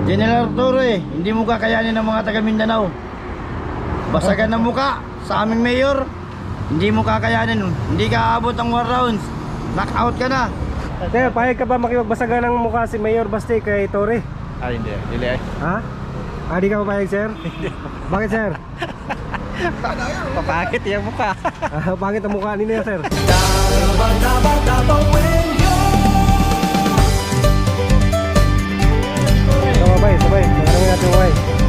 General Torre, hindi mo kakayanin ng mga taga Mindanao. Basagan ng muka sa aming mayor, hindi mo kakayanin. Hindi ka aabot ang 1 rounds. Knockout ka na. Sir, payag ka ba makipagbasagan ng mukha si Mayor Basti kay Torre? Ay, hindi. Dili ay. Ha? Di ka papayag, sir? Bakit, sir? Papakit yung mukha. Bakit ang mukha ninyo, sir? Sabay, sabay. Magandang natin, sabay.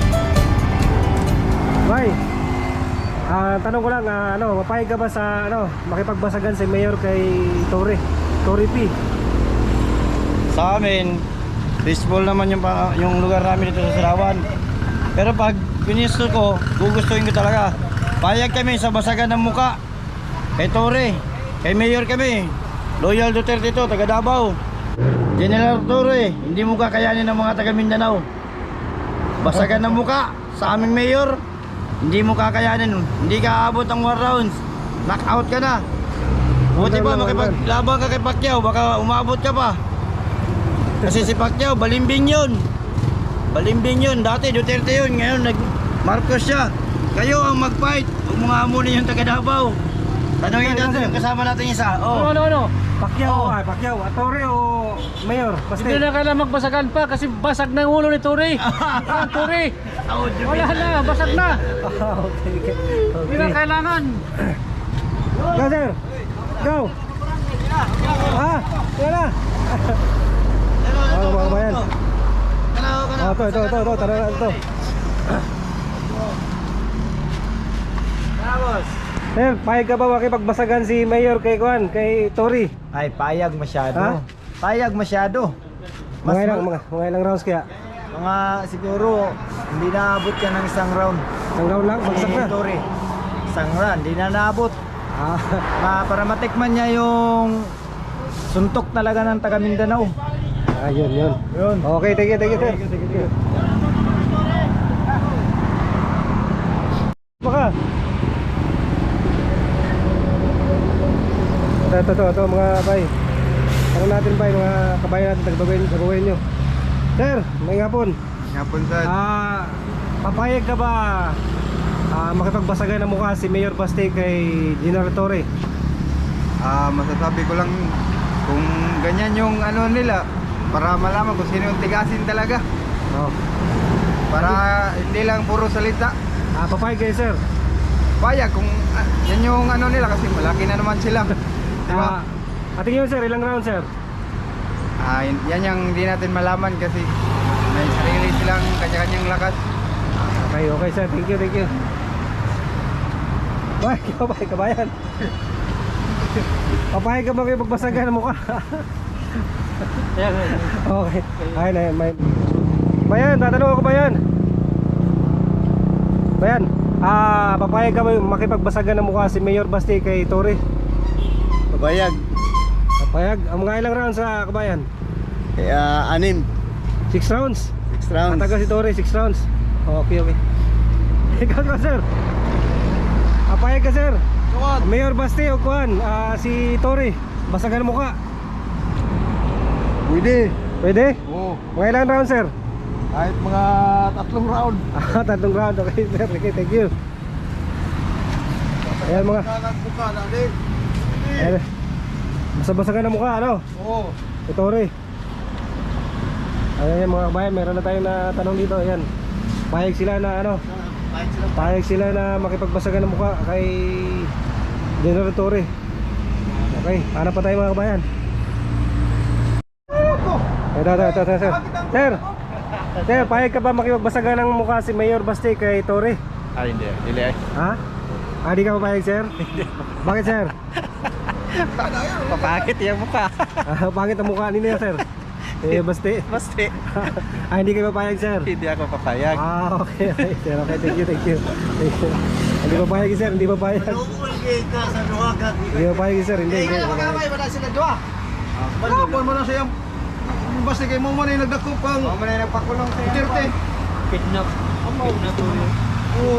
Sabay. Tanong ko lang, mapayag ka ba sa, makipagbasagan si Mayor kay Torre? Torre P. Sa amin, peaceful naman yung lugar namin dito sa Sarawan. Pero pag pinisto ko, gugustuhin ko talaga. Payag kami sa basagan ng muka kay Torre, kay Mayor kami. Loyal Duterte to, taga Davao. General Torre, hindi mo kakayanin ng mga taga Mindanao. Basagan ng muka sa aming mayor, hindi mo kakayanin. Hindi ka aabot ang 1 rounds. Knockout ka na. Buti pa makipaglaban ka kay Pacquiao, baka umabot ka pa. Kasi si Pacquiao, balimbing yun. Balimbing yun. Dati Duterte yun, ngayon nag-Marcos siya. Kayo ang mag-fight. Huwag mga amunin yung taga Davao. Tanongin natin yung kasama natin isa. Oh. Ano? Pacquiao, Pacquiao. Torre o Mayor? Basta. Hindi na kailangan magbasagan pa kasi basag na yung ulo ni Torre. Torre. Wala na, basag na. Okay. Hindi na kailangan. Go, sir. Go. Yan na. Mga kabayan. Ito. Tara na ito. Sir, payag ka ba makipagbasagan si Mayor kay Juan, kay Torre? Ay, payag masyado. Ha? Payag masyado. Mga ilang rounds kaya? Mga siguro, hindi naabot yan ng isang round. Isang round lang, bagsak na. Torre. Isang round, hindi na naabot. Ah, Para matikman niya yung suntok talaga ng taga Mindanao. yun. Yun. Okay, thank you, sir. Baka. Ito mga bay. Tanong natin bay, mga kabayan natin, taga-babayin nyo. Sir, may hapon. Ngapon sa Papayag ka ba makipagbasagan ng mukha si Mayor Basti kay General Torre? masasabi ko lang kung ganyan yung ano nila para malaman kung sino yung tigasin talaga. Oh. Para hindi lang puro salita. Papayag kayo, sir. Payag kung yan yung ano nila kasi malaki na naman sila. Diba? Ating yun, sir, ilang round, sir? Yan yung hindi natin malaman kasi may sarili silang kanya-kanyang lakas. Okay, sir. Thank you. Bay, kabayan. Papayag ka ba kayo magbasagan ng mukha? Okay. Ay, may... Bayan, tatanong ako, Bayan. Papayag ka ba makipagbasagan ng mukha si Mayor Basti kay Torre? Pabayag. Papayag? Ang mga ilang rounds sa kabayan? 6 6 rounds? 6 rounds. Matagal si Torre, 6 rounds. Okay. Ikaw ka, sir. Papayag ka, sir. Mayor Basti o Juan, si Torre, basagan ng mukha. Pwede? Oo. Mga ilang rounds, sir? Kahit mga 3 round. 3 round, okay, sir. Okay, thank you. Ayan mga. Ayan. Basa-basagan ng mukha, ano? Oo. Si Torre. Ayan mga kabayan, meron na tayong natanong dito. Ayan. Payag sila na makipagbasagan ng mukha kay General Torre. Okay, hanap pa tayo mga kabayan. Ito, sir. Sir, payag ka ba makipagbasagan ng mukha si Mayor Basti kay Torre? Ay, hindi. Dili ay. Di ka papayag, sir? Bakit, sir? Papakit yung mukha. Bakit ang mukha ninyo, sir? Basti? Basti. Hindi kayo papayag, sir? Hindi ako papayag. Okay, sir. Okay, thank you. Hindi papayag, sir. Hindi papayag, sir. Hindi. Kapon mo na siyang basta kay mo man ay nagdakupang. Mo man ay nagpakulong sa Duterte. Kidnap. Oo.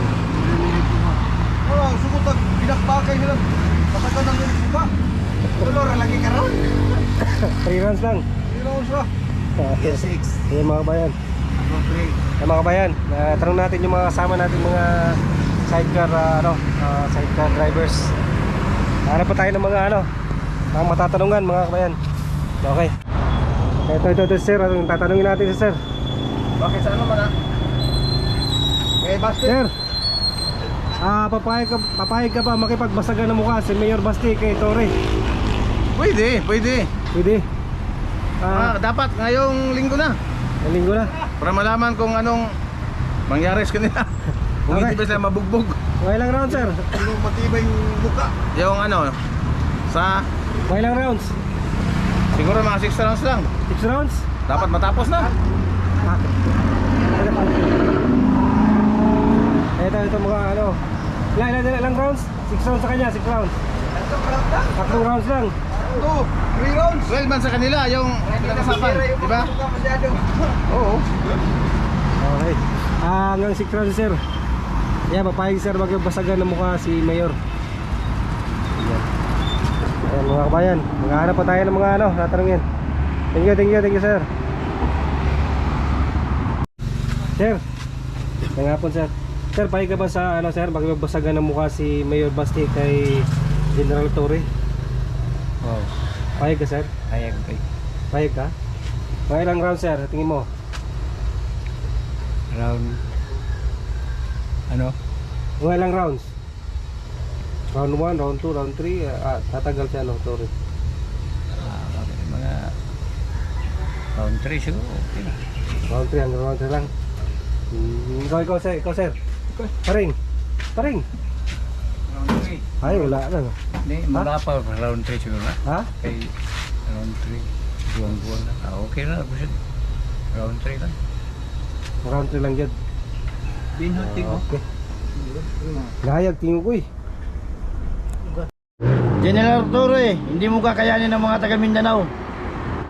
Sugod pinakbakay nila. Basagan ng ba? Tulor lagi karon. 3 rounds lang. Sino siya? Okay. Ayan mga kabayan. round 3. Mga kabayan, tanong natin yung mga kasama natin mga sidecar sidecar drivers. Hanap pa tayo ng mga mga matatanungan mga kabayan. Okay. Ito sir, anong tatanungin natin si sir? Bakit saan mo mana? Eh, Basti. Sir, papayag ka ba makipagbasagan ng mukha si Mayor Basti kay Torre? Pwede. Pwede. Dapat ngayong linggo na. Ang linggo na. Para malaman kung anong mangyari sa kanila. Kung Okay. hindi ba sila mabugbog. Okay lang rounds sir. Kung matibay yung buka. Yung sa Okay lang rounds. siguro mga 6 rounds lang. 6 rounds. Dapat matapos na. Ito mga ilang rounds? 6 rounds sa kanya, 6 rounds. 3 rounds lang. 3 rounds. 12 man sa kanila yung nakasapan, di ba? Oo. Okay. Hanggang 6 rounds sir. Yeah, papayag sir magbasagan ng mukha si Mayor. Ayan mga kabayan, maghahanap pa tayo ng mga tatanungin. Thank you sir. Sir, ngayong hapon sir. Sir, payag ka ba sa sir magbasagan ng mukha si Mayor Basti kay General Torre? Wow. Payag ka sir? Ayag kay. Payag ka? Mga ilang rounds sir, tingin mo? Round Mga ilang rounds? Round 1, round 2, round 3, tatagal siya Torre. mga round 3 siguro. Okay na. Round 3 hanggang round 3 lang. Ikaw sir. Paring. Round 3. Ay, wala na. Hindi, mula pa round 3 siguro na. Ha? Kay round 3. Buwang-buwang na. Okay na. Round 3 lang. Round 3 lang dyan. Binhuti ko. Okay. Gayag, tingin ko eh. General Torre, hindi mo kakayanin ng mga taga Mindanao.